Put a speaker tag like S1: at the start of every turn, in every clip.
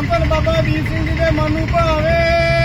S1: ਧੰਨ ਧੰਨ ਬਾਬਾ ਦੀਪ ਸਿੰਘ ਜੀ ਦੇ ਮਨ ਨੂੰ ਭਾਵੇ।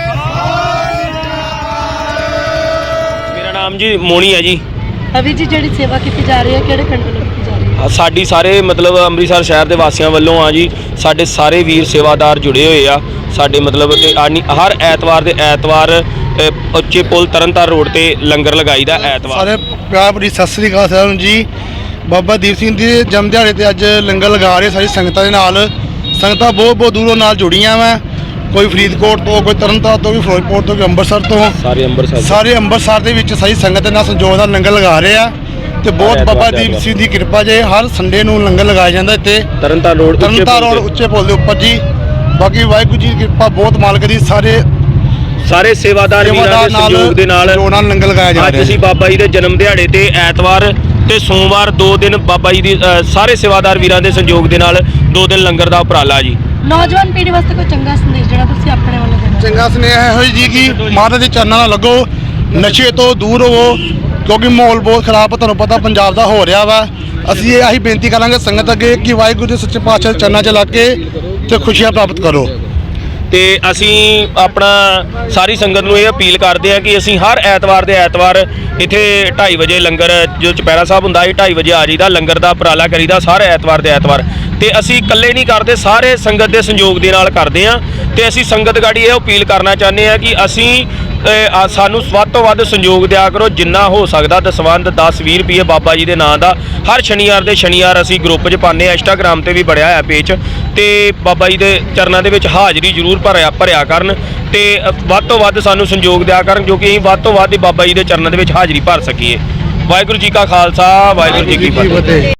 S2: ਮੇਰਾ ਨਾਮ ਜੀ ਮੋਣੀ ਹੈ ਜੀ।
S3: ਅਭੀ ਜੀ ਜਿਹੜੀ ਸੇਵਾ ਕੀਤੀ ਜਾ ਰਹੀ ਹੈ ਕਿਹੜੇ ਪਿੰਡ ਵੱਲੋਂ ਕੀਤੀ ਜਾ ਰਹੀ ਹੈ?
S2: ਸਾਡੀ ਸਾਰੇ ਮਤਲਬ ਅੰਮ੍ਰਿਤਸਰ ਸ਼ਹਿਰ ਦੇ ਵਾਸੀਆਂ ਵੱਲੋਂ ਆ ਜੀ। ਸਾਡੇ ਸਾਰੇ ਵੀਰ ਸੇਵਾਦਾਰ ਜੁੜੇ ਹੋਏ ਆ ਸਾਡੇ ਮਤਲਬ ਤੇ ਹਰ ਐਤਵਾਰ ਦੇ ਐਤਵਾਰ ਉੱਚੇ ਪੁਲ ਤਰਨਤਾਰਨ ਰੋਡ ਤੇ ਲੰਗਰ ਲਗਾਈਦਾ ਐਤਵਾਰ।
S1: ਸਾਰੇ ਪਿਆਰ ਭਰੀ ਸਤਿ ਸ੍ਰੀ ਅਕਾਲ ਸਾਰਿਆਂ ਨੂੰ ਜੀ। ਬਾਬਾ ਦੀਪ ਸਿੰਘ ਦੇ ਜਨਮ ਦਿਹਾੜੇ ਤੇ ਅੱਜ ਲੰਗਰ ਲਗਾ ਰਹੇ ਸਾਰੀ ਸੰਗਤਾਂ ਦੇ ਨਾਲ। ਸੰਗਤਾਂ ਬਹੁਤ ਦੂਰੋਂ ਨਾਲ ਜੁੜੀਆਂ ਵਾ, ਕੋਈ ਫਰੀਦਕੋਟ ਤੋਂ, ਕੋਈ ਤਰਨਤਾਰਨ ਤੋਂ, ਕੋਈ ਫਿਰੋਜ਼ਪੁਰ ਤੋਂ, ਕੋਈ ਅੰਮ੍ਰਿਤਸਰ ਤੋਂ। ਸਾਰੇ ਅੰਮ੍ਰਿਤਸਰ ਦੇ ਵਿੱਚ ਸਾਰੀ ਸੰਗਤ ਦੇ ਨਾਲ ਸੰਯੋਗ ਨਾਲ ਲੰਗਰ ਲਗਾ ਰਹੇ ਆ ਤੇ ਬਹੁਤ ਬਾਬਾ ਦੀਪ ਸਿੰਘ ਦੀ ਕਿਰਪਾ ਜੇ ਹਰ ਸੰਡੇ ਨੂੰ ਲੰਗਰ ਲਗਾਇਆ ਜਾਂਦਾ ਇੱਥੇ ਤਰਨਤਾਰਨ ਰੋਡ ਉੱਚੇ ਪੁਲ ਦੇ ਉੱਪਰ ਜੀ। ਬਾਕੀ ਵਾਹਿਗੁਰੂ ਜੀ ਦੀ ਕਿਰਪਾ ਬਹੁਤ ਮਾਲਕ ਦੀ ਸਾਰੇ ਸੇਵਾਦਾਰ ਵੀਰਾਂ ਦੇ ਸਹਿਯੋਗ ਦੇ ਨਾਲ ਲੰਗਰ ਲਗਾਇਆ ਜਾ ਰਿਹਾ।
S2: ਅੱਜ ਅਸੀਂ ਬਾਬਾ ਜੀ ਦੇ ਜਨਮ ਦਿਹਾੜੇ ਤੇ ਐਤਵਾਰ ਤੇ ਸੋਮਵਾਰ 2 ਦਿਨ ਬਾਬਾ ਜੀ ਦੀ ਸਾਰੇ ਸੇਵਾਦਾਰ ਵੀਰਾਂ ਦੇ ਸਹਿਯੋਗ ਦੇ ਨਾਲ 2 ਦਿਨ ਲੰਗਰ ਦਾ ਉਪਰਾਲਾ ਜੀ।
S3: ਨੌਜਵਾਨ ਪੀੜ੍ਹੀ ਵਾਸਤੇ ਕੋਈ ਚੰਗਾ ਸੰਦੇਸ਼ ਜਿਹੜਾ ਤੁਸੀਂ ਆਪਣੇ ਵੱਲੋਂ ਦੇਣਾ?
S1: ਚੰਗਾ ਸੁਨੇਹਾ ਇਹੋ ਜੀ ਕਿ ਮਹਾਰਾਜ ਦੇ ਚਰਨਾਂ ਨਾਲ ਲੱਗੋ, ਨਸ਼ੇ ਤੋਂ ਦੂਰ ਹੋਵੋ ਕਿਉਂਕਿ ਮਾਹੌਲ ਬਹੁਤ ਖਰਾਬ ਤੁਹਾਨੂੰ ਪਤਾ ਪੰਜਾਬ ਦਾ ਹੋ ਰਿਹਾ ਵਾ। ਅਸੀਂ ਇਹ ਆਹੀ ਬੇਨਤੀ ਕਰਾਂਗੇ ਸੰਗਤ ਅੱਗੇ ਕਿ ਵਾਹਿਗੁਰੂ ਦੇ ਸੱਚੇ ਪਾਤਸ਼ਾਹ ਦੇ ਚਰਨਾਂ 'ਚ ਲੱਗ ਕੇ ਤੇ ਖੁਸ਼ੀਆਂ ਪ੍ਰਾਪਤ ਕਰੋ।
S2: ਤੇ ਅਸੀਂ ਆਪਣਾ ਸਾਰੀ ਸੰਗਤ ਨੂੰ ਇਹ ਅਪੀਲ ਕਰਦੇ ਹਾਂ ਕਿ ਅਸੀਂ ਹਰ ਐਤਵਾਰ ਦੇ ਐਤਵਾਰ ਇੱਥੇ 2:30 ਵਜੇ ਲੰਗਰ ਜੋ ਚੁਪਹਿਰਾ ਸਾਹਿਬ ਹੁੰਦਾ ਹੈ 2:30 ਵਜੇ ਆ ਜਾਈਦਾ, ਲੰਗਰ ਦਾ ਉਪਰਾਲਾ ਕਰੀਦਾ ਸਾਰੇ ਐਤਵਾਰ ਦੇ ਐਤਵਾਰ। ਤੇ ਅਸੀਂ ਇਕੱਲੇ ਨਹੀਂ ਕਰਦੇ, ਸਾਰੇ ਸੰਗਤ ਦੇ ਸੰਯੋਗ ਦੇ ਨਾਲ ਕਰਦੇ ਹਾਂ। ਤੇ ਅਸੀਂ ਸੰਗਤ ਗਾੜੀ ਇਹ ਅਪੀਲ ਕਰਨਾ ਚਾਹੁੰਦੇ ਹਾਂ ਕਿ ਅਸੀਂ ਸਾਨੂੰ ਵੱਧ ਤੋਂ ਵੱਧ ਸੰਯੋਗ ਦਿਆ ਕਰੋ, ਜਿੰਨਾ ਹੋ ਸਕਦਾ ਦਸਵੰਧ 10-20 ਰੁਪਏ ਬਾਬਾ ਜੀ ਦੇ ਨਾਂ ਦਾ ਹਰ ਸ਼ਨੀਵਾਰ ਦੇ ਸ਼ਨੀਵਾਰ ਅਸੀਂ ਗਰੁੱਪ 'ਚ ਪਾਉਂਦੇ ਹਾਂ। ਇੰਸਟਾਗ੍ਰਾਮ ਤੇ ਵੀ ਬਣਿਆ ਹੋਇਆ ਪੇਜ ਤੇ ਬਾਬਾ ਜੀ ਦੇ ਚਰਨਾਂ ਦੇ ਵਿੱਚ ਹਾਜ਼ਰੀ ਜ਼ਰੂਰ ਭਰਿਆ ਕਰਨ ਤੇ ਵੱਧ ਤੋਂ ਵੱਧ ਸਾਨੂੰ ਸੰਯੋਗ ਦਿਆ ਕਰਨ ਜੋ ਕਿ ਅਸੀਂ ਵੱਧ ਤੋਂ ਵੱਧ ਬਾਬਾ ਜੀ ਦੇ ਚਰਨਾਂ ਦੇ ਵਿੱਚ ਹਾਜ਼ਰੀ ਭਰ ਸਕੀਏ। ਵਾਹਿਗੁਰੂ ਜੀ ਕਾ ਖਾਲਸਾ, ਵਾਹਿਗੁਰੂ ਜੀ ਕੀ ਫਤਿਹ।